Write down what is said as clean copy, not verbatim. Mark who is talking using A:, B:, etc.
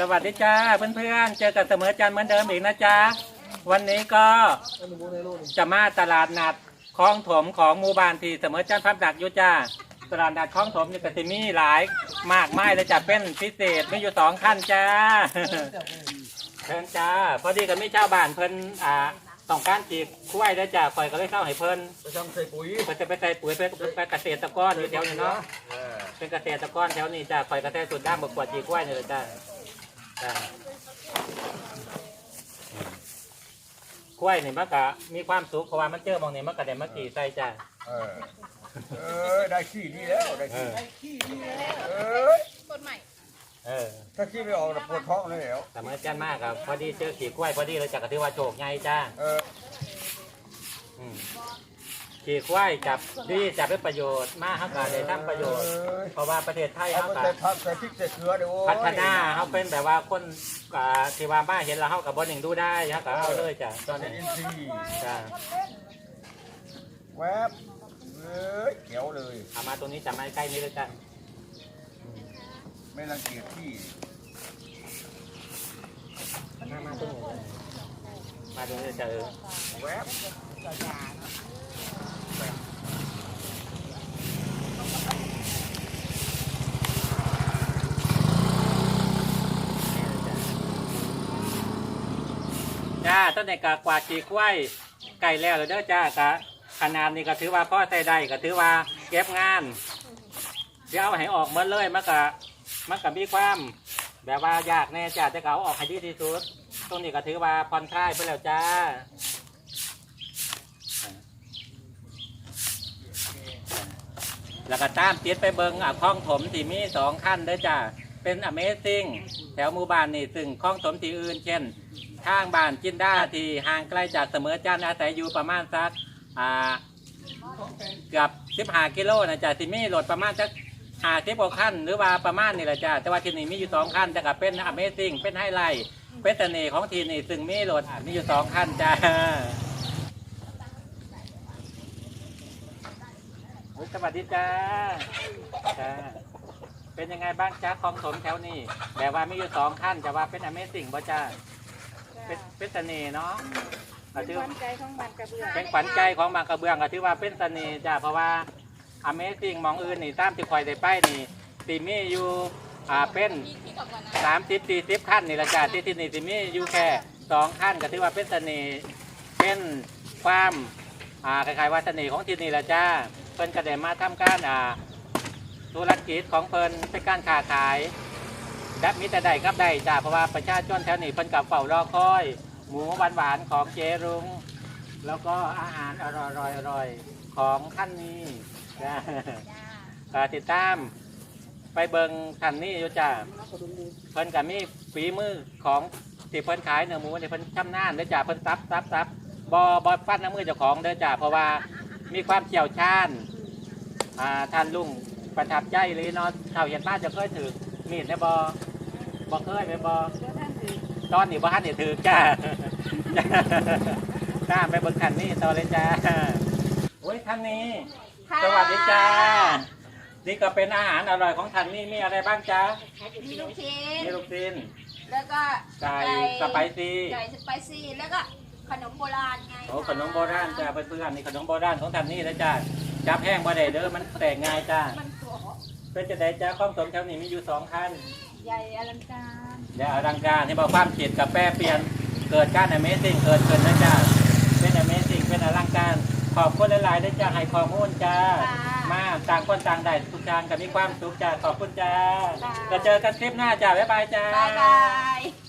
A: วัสดีจ้าเพื่อนๆเจอกันเสมอจันเหมือนเดิมอีกนะจ๊ะวันนี้ก็จะมาตลาดนัดคลองถมของหมู่บ้านที่เสมอจันพับดักอยู่จ้าตลาดนัดคลองถมนี่ก็จะมีหลายมากมายเลยจ้ะเป็นพิเศษมีอยู่2ขั้นจ้าเชิญจ้าพอดีกับมีเจ้าบ้านเพิ่นต้องการจีบคุ้ยได้จ้าคอยก็เลยเข้าให้เพิ่น
B: ไปทำใส่ปุ๋ย
A: เพิ่นจะไปใส่ปุ๋ยไปเกษตรกรอยู่แถวนี้เนาะเป็นเกษตรกรแถวนี้จ้าคอยกระแทกสุดด้ามบกวดจีคุ้ยนี่เลยจ้าคุ้ยนี่มันก็มีความสุขเพราะว่ามันเจอมองนี่มันก็ได้มากี่ใส่จ้า
B: ได้ขี้ดีแล้วได้ขี้ดีแล้ว
C: ต้นใหม่
B: ถ้าขี้ไม่ออกปวดท้องเลยแล้ว
A: แต่เมื่อจันมากครับพอดีเจอขี่กล้วยพอดีเลยจากกระทือว่าโฉกไงจ้าขี่กล้วยจับดีจับเป็นประโยชน์มากครับการได้ทำประโยชน์เพราะว่าประเทศไทยเขาพัฒนาเขาเป็นแบบว่าคนที่ว่าบ้าเห็นแล้วเขากับบนหนึ่งดูได้ครับก็เอาเลยจ้าตอนนี้จ้า
B: แวบเขียวเลย
A: เอามาตรงนี้จับมาใกล้นี้เลยจ้า
B: ไม่รังเกียจที่
A: มาตรงนี้มาตรงนี้จะ
B: แวบ
A: จ้าต้นในกากวาดจีกล้วยไก่แล้วเลยเด้อจ้ากะขนาดนี้ก็ถือว่าพ่อใส่ได้ก็ถือว่าเก็บงานเดี๋ยวเอาให้ออกเมื่อเลยมันก็มีความแบบว่ายากแน่จ้าจะเอาออกให้ดีที่สุดตรงนี้ก็ถือว่าผ่อนคลายไปแล้วจ้าแล้วก็ตามติดไปเบิงคลองถมที่มี2ขั้นเด้อจ้าเป็น Amazing แถวหมู่บ้านนี่ซึ่งคลองถมที่อื่นเช่นทางบ้านจินดาที่ห่างไกลจากเสมอจันทร์อาศัยอยู่ประมาณสักเกือบ15 กิโลนะจ้าที่มีรถประมาณสัก50 กว่าขั้นหรือว่าประมาณนี่แหละจ้าแต่ว่าที่นี่มีอยู่2ขั้นแต่ก็เป็น Amazing เป็นไฮไลท์เป็นเสน่ห์ของที่นี่ซึ่งมีรถมีอยู่2ขั้นจ้าสวัสดีจ้าจ้าเป็นยังไงบ้างจ้าคลองถมแถวนี้แบบว่ามีอยู่2ขั้นจะว่าเป็น Amazing บ่จ้าเป็นเสน่ห์เนาะ
C: เป็นขวัญใจของบางกระเบื้อง
A: เป็นขวัญใจของบางกระเบื้องก็ถือว่าเป็นเสน่ห์จ้าเพราะว่า Amazing มองอื่นนี่ตามที่คอยได้ไปนี่ตีมีอยู่เป็น30-40 ขั้นนี่ละจ้าที่นี่ตีมีอยู่แค่2ขั้นก็ถือว่าเป็นเสน่ห์เป็นความคล้ายๆว่าเสน่ห์ของที่นี่ละจ้าเพิ่นก็ได้มาทำการธุรกิจของเพิ่นเป็นการค้าขายแบบมีแต่ได้ครับได้จ้าเพราะว่าประชาชนแถวนี้เพิ่นกับเฝ้ารอคอยหมูหวานๆของเจรุงแล้วก็อาหารอร่อยๆของท่านนี้ติดตามไปเบิงท่านนี้อยู่จ้าเพิ่นกับมีฝีมือของที่เพิ่นขายเนื้อหมูเนี่ยเพิ่นชำนาญเด้อจ้าเพิ่นซับบฟันน้ำมือเจ้าของเด้อจ้าเพราะว่ามีความเชี่ยวชาญท่านลุงประทับใจเลยเนาะเท่าเห็นมาจะเคยถือมีดในบ่เคยไปบ่ตอนนี้บ่ทันได้ถือจ้าจ้าไปเบิ่งคันนี้ต่อเลยจ้าโอ้ยท่านนี้สวัสดีจ้านี่ก็เป็นอาหารอร่อยของท่านนี่มีอะไรบ้างจ้า
C: มีลูกชิ้นแล้วก็
A: ไก่สไปซี่
C: แล้วก็ขนมโบราณไง
A: โอ้ขนมโบราณจ้าเพื่อนๆนี่ขนมโบราณของท่านนี่นะจ้าจับแห้งบ่ได้เด้อมันแตกง่ายจ้าเป็นจะได้จ้าข้อมสมแถวนี้มีอยู่2ขั้น
C: ใหญ่อลังการ
A: ที่บอกความจิตกับแปรเปลี่ยนเกิดการ Amazing เกิดขึ้นนะจ้าเป็น Amazing เป็นอลังการขอบคุณหลายๆได้จ้าให้ข้อมูลจ้ามาต่างคนต่างได้ทุกทางกับมีความสุขจ้าขอบคุณจ้าจะเจอกันคลิปหน้าจ้าบ๊ายบายจ้า
C: บ๊ายบาย